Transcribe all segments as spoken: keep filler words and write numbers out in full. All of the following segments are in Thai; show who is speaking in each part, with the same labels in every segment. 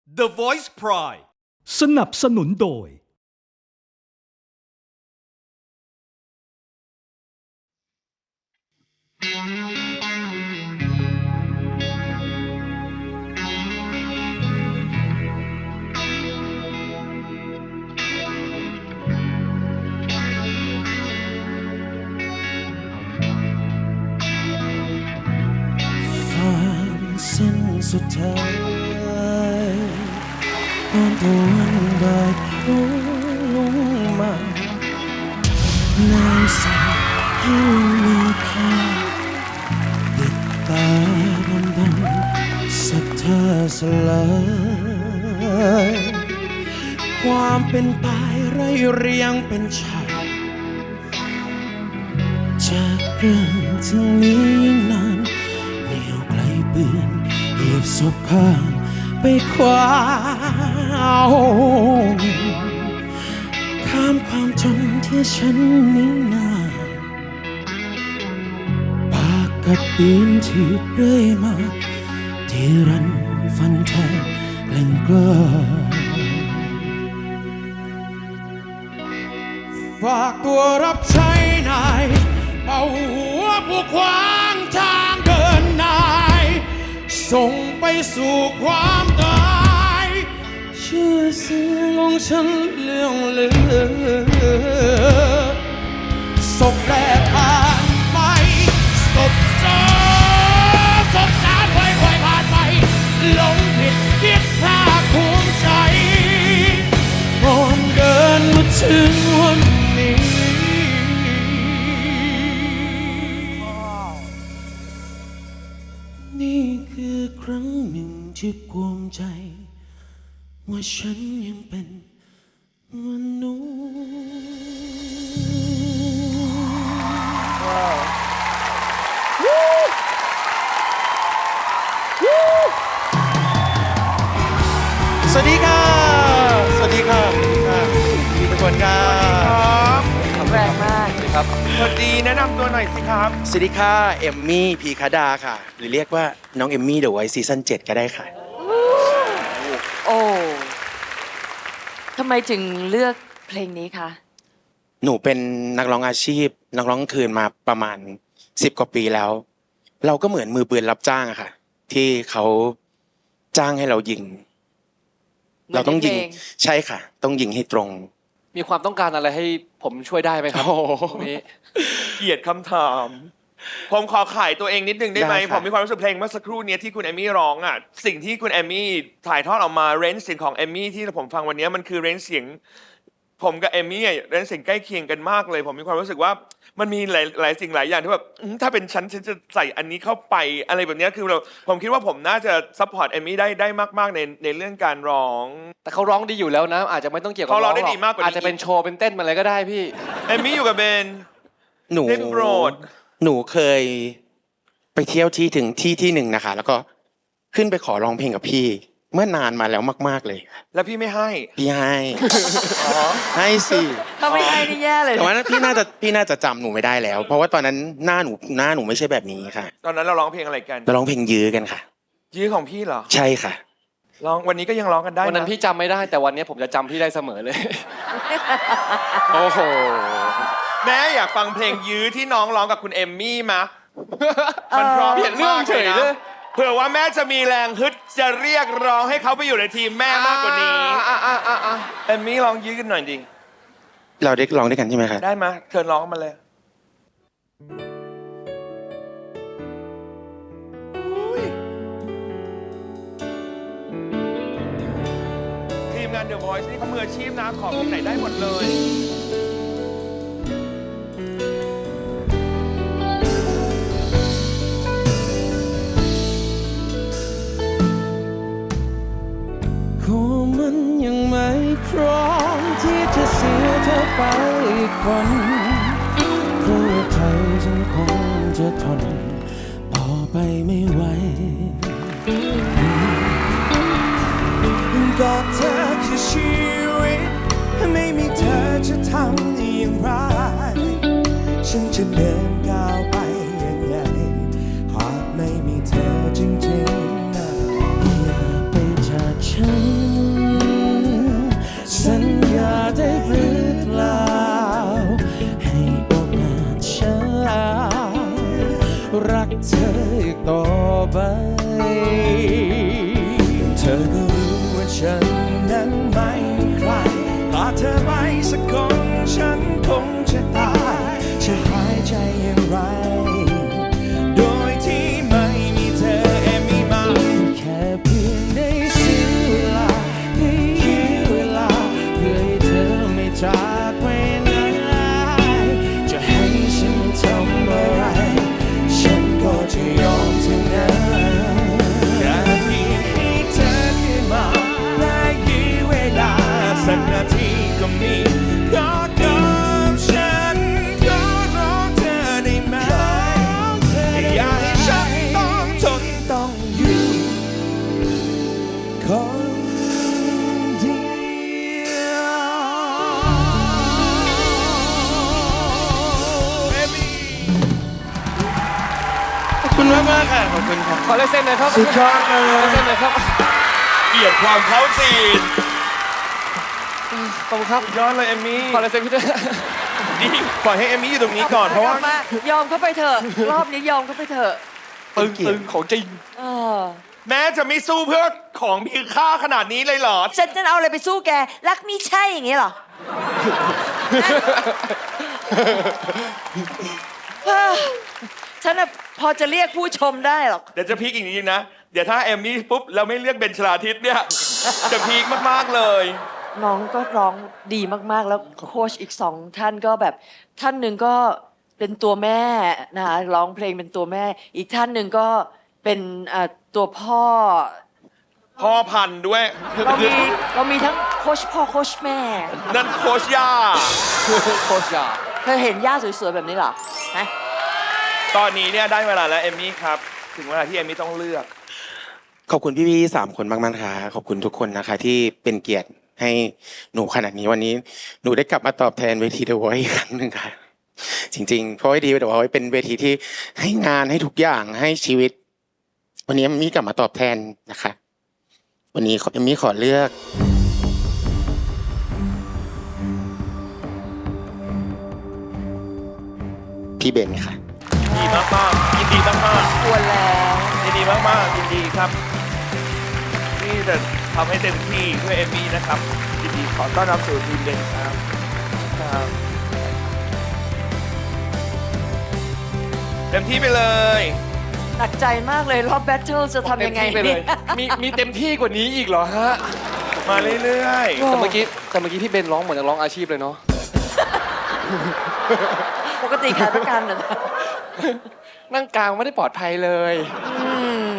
Speaker 1: The Voice Pride
Speaker 2: สนับสนุนโดย
Speaker 3: เส้นสุดท้ายตอนตะวันบ่ายโผล่ลงมาในสิ่งที่มีค่าติดตาดำดำสัทธาสลายความเป็นตายไร้เรียงเป็นฉากจากเรื่องถึงนี้นานเหนียวไกลเปื้อนเหยียบศพข้างไปคว้าข้ามความจนที่ฉันนี้นาปากกัดตีนที่เรื่อยมาที่รันฟันแทงแกล้งกล้าฝากตัวรับใช้นายเอาหัวผู้ขวางทางเดินนายส่งไปสู่ความตายชื่อเสียงของฉันเลื่องลือศพแรกผ่านไปศพสองศพสามค่อยๆผ่านไปหลงผิดคิดภาคภูมิใจก่อนเดินมาถึงวันนี้นี่คือครั้งหนึ่งที่ภูมิใจว่าฉันยังเป็นมนุษย์สวัสดีค่ะสวัสดีค่ะสวัสดีค่ะพี่ทุกคนค่ะ
Speaker 4: แรงมาก
Speaker 3: สวัสดีครับ
Speaker 5: สวัสดีแนะนำตัวหน่อยสิครับ
Speaker 3: สวัสดีค่ะเอมมี่พีคดาค่ะหรือเรียกว่าน้องเอมมี่เดอะไวท์ซีซั่นเจ็ดก็ได้ค่ะ
Speaker 4: โอ้ทำไมจึงเลือกเพลงนี้คะ
Speaker 3: หนูเป็นนักร้องอาชีพนักร้องกลางคืนมาประมาณสิบกว่าปีแล้ว เราก็เหมือนมือปืนรับจ้างอะค่ะ ที่เขาจ้างให้เรายิง เราต้องยิงใช่ค่ะ ต้องยิงให้ตรง
Speaker 6: มีความต้องการอะไรให้ผมช่วยได้ไหมครับตรงนี้
Speaker 5: เกลียดคำถาม ผมขอขายตัวเองนิดนึงได้ไหม
Speaker 3: ได้ค่ะ
Speaker 5: ผมมีความรู้สึกเพลงเมื่อสักครู่เนี้ยที่คุณแอมมี่ร้องอ่ะ สิ่งที่คุณแอมมี่ถ่ายทอดออกมาเรนจ์เสียงของแอมมี่ที่ผมฟังวันนี้มันคือเรนจ์เสียงผมกับแอมมี่เรนจ์เสียงใกล้เคียงกันมากเลย ผมมีความรู้สึกว่ามันมีหลายหลายสิ่งหลายอย่างที่แบบอืมถ้าเป็นฉันฉันจะใส่อันนี้เข้าไปอะไรแบบเนี้ยคือเราผมคิดว่าผมน่าจะซัพพอร์ตแอมมี่ได้ได้มากๆในในเรื่องการร้อง
Speaker 6: แต่เขาร้องดีอยู่แล้วนะ อาจจะไม่ต้องเกี่ยวกับ
Speaker 5: เขาร้องได้
Speaker 6: ห
Speaker 5: ดีมากกว่านี้
Speaker 6: อาจจะเป็นโชว์เป็นเต้นมาอะไรก็ได้พี่
Speaker 5: แอมมี่อยู่กับเบน
Speaker 3: หนู
Speaker 5: ได้โปรด
Speaker 3: หนูเคยไปเที่ยวที่ถึงที่ที่หนึ่งนะคะ แล้วก็ขึ้นไปขอร้องเพลงกับพี่ เมื่อนานมาแล้วมากๆเลย
Speaker 5: แล้วพี่ไม่ให้
Speaker 3: พี่ให้ให้สิ
Speaker 4: ถ้าไม่ให้นี่แย่เลย
Speaker 3: แต่ว่าพี่น่าจะพี่น่าจะจำหนูไม่ได้แล้ว เพราะว่าตอนนั้นหน้าหนูหน้าหนูไม่ใช่แบบนี้ค่ะ
Speaker 5: ตอนนั้นเราร้องเพลงอะไรกัน
Speaker 3: เราร้องเพลงยื้อกันค่ะ
Speaker 5: ยื้อของพี่เหรอ
Speaker 3: ใช่ค่ะ
Speaker 5: ร้องวันนี้ก็ยังร้องกันได้
Speaker 6: วันนั้น
Speaker 5: นะ
Speaker 6: พี่จำไม่ได้แต่วันนี้ผมจะจำพี่ได้เสมอเลย โอ้โห
Speaker 5: แม่อยากฟังเพลงยื้อที่น้องร้องกับคุณเอมมี่มะมันเพร้อม
Speaker 6: เปลี่ยนเรื่องเฉยเลย
Speaker 5: เผื่อว่าแม่จะมีแรงฮึดจะเรียกร้องให้เขาไปอยู่ในทีมแม่มากกว่านี้
Speaker 6: อ่ะอ่ะอ่ะอ่ะ
Speaker 5: เอมมี่ร้องยื้อกันหน่อยดิ
Speaker 3: เราได้ร้องด้วยกันใช่ไหมคะ
Speaker 5: ได้มะเชิญร้องมาเลยทีมงาน The Voice นี่เขามืออาชีพนะขอเพลงไหนได้หมดเลย
Speaker 3: คงมันยังไม่พร้อมที่จะเสียเธอไปอีกคนเพราะว่าใจฉันคงจะทนต่อไปไม่ไหวกับเธอคือชีวิตไม่มีเธอจะทำอย่างไรฉันจะเดินก้าวไปยังไงหากไม่มีเธอจริงๆนะอย่าไปจากฉัน
Speaker 1: ฉันนั้นไม่มีใครพาเธอไปสักคนฉันคงจะตายจะหายใจอย่างไรโดยที่ไม่มีเธอเอมี่มาแค่เพียงได้เสียเวลาได้ยื้อเวลาเพื่อให้เธอไม่จากไปไหนจะให้ฉันทำอะไรฉันก็จะยอมทั้งนั้นแค่เพียงให้เธอขึ้นมาได้ยื้อเวลาสักนาทีก็มีก็กับฉันก็รอเธอได้ไหมอย่าให้ฉันต้องทนต้องอยู่คนเดียว
Speaker 3: ขอบคุณมากมากๆค่ะขอบคุณครับ
Speaker 6: ขอลายเซ็นหน่อยครับ
Speaker 3: สุดยอดเลย
Speaker 6: ขอลายเซ็นหน่อยครับ
Speaker 5: เกลียดความเขาสีน
Speaker 6: ขอบคุณครับ
Speaker 5: ยอดเลยเอมมี่
Speaker 6: ขอลายเซ็นพี่ด้วย
Speaker 5: ดีปล่อยให้เอมมี่อยู่ตรงนี้ก่อนเพราะว่า
Speaker 4: กลับมายอมเข้าไปเถอะ รอบนี้ยอมเข้าไปเถอะ
Speaker 6: ตึงตึงของจริง
Speaker 4: เออ
Speaker 5: แม้จะไม่สู้เพื่อของมีค่าขนาดนี้เลยเหรอ
Speaker 4: ฉันจะเอาอะไรไปสู้แก รักมีใช่อย่างนี้เหรอ ฉันน่ะพอจะเรียกผู้ชมได้หรอก
Speaker 5: เดี๋ยวจะพีคอีกนิดนึงนะ เดี๋ยวถ้าเอมมี่ปุ๊บเราไม่เรียกเบนชลาทิศเนี่ย จะพีคมากๆเลย
Speaker 4: น้องก็ร้องดีมากๆ แล้วโค้ชอีกสองท่านก็แบบท่านหนึ่งก็เป็นตัวแม่นะคะร้องเพลงเป็นตัวแม่ อีกท่านหนึ่งก็เป็นเอ่อตัวพ่อ
Speaker 5: พ่อพันธุ์ด้วย
Speaker 4: เรามีเรามีทั้งโค้ชพ่อโค้ชแม่
Speaker 5: นั่นโคชย่า
Speaker 6: โคชยา
Speaker 4: เธอเห็นย่าสวยๆแบบนี้เหรอฮะ
Speaker 5: ตอนนี้เนี่ยได้เวลาแล้วเอมมี่ครับ ถึงเวลาที่เอมมี่ต้องเลือก
Speaker 7: ขอบคุณพี่ๆสามคนมากๆนะคะขอบคุณทุกคนนะคะ ที่เป็นเกียรติให้หนูขนาดนี้วันนี้หนูได้กลับมาตอบแทนเวที The Voice อีกครั้งหนึ่งค่ะ จริงๆเพราะว่าดี The Voice เป็นเวทีที่ให้งานให้ทุกอย่างให้ชีวิต วันนี้เอมมี่กลับมาตอบแทนนะคะ วันนี้เอมมี่ขอเลือก พี่เบนค่ะ
Speaker 5: ดีมากๆยินดีมาก
Speaker 4: ควรแล้ว
Speaker 5: ๆยินดีมากๆยินดีครับ ที่จะทำให้เต็มที่เพื่อเอมมี่นะครับ ยินดีขอต้อนรับสู่ทีมเบนครับครับเต็มที่ไปเลย
Speaker 4: หนักใจมากเลยรอบแบทเทิลจะทำยังไง
Speaker 6: เต็มที่ไปเลย มีมีเต็มที่กว่านี้อีกเหรอฮะ
Speaker 5: มาเรื่อยๆ
Speaker 6: แต่เมื่อกี้แต่เมื่อกี้พี่เบนร้องเหมือนนักร้องอาชีพเลยเนาะ
Speaker 4: ปกติขายประกันเหรอ
Speaker 6: นั่งกลางไม่ได้ปลอดภัยเลย
Speaker 4: อืม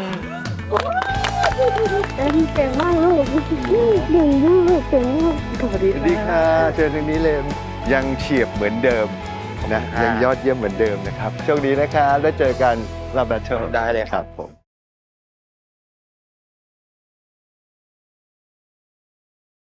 Speaker 8: เอ็มเก่งมากลูกเก่งมากเก่งมากสวัสดี
Speaker 9: สวัสดีค่ะเจอทางนี้เลยยังเฉียบเหมือนเดิมนะยังยอดเยี่ยมเหมือนเดิมนะครับโชคดีนะครับได้เจอกันรอบแบทเทิล
Speaker 7: ได้เลยครับ
Speaker 9: ผม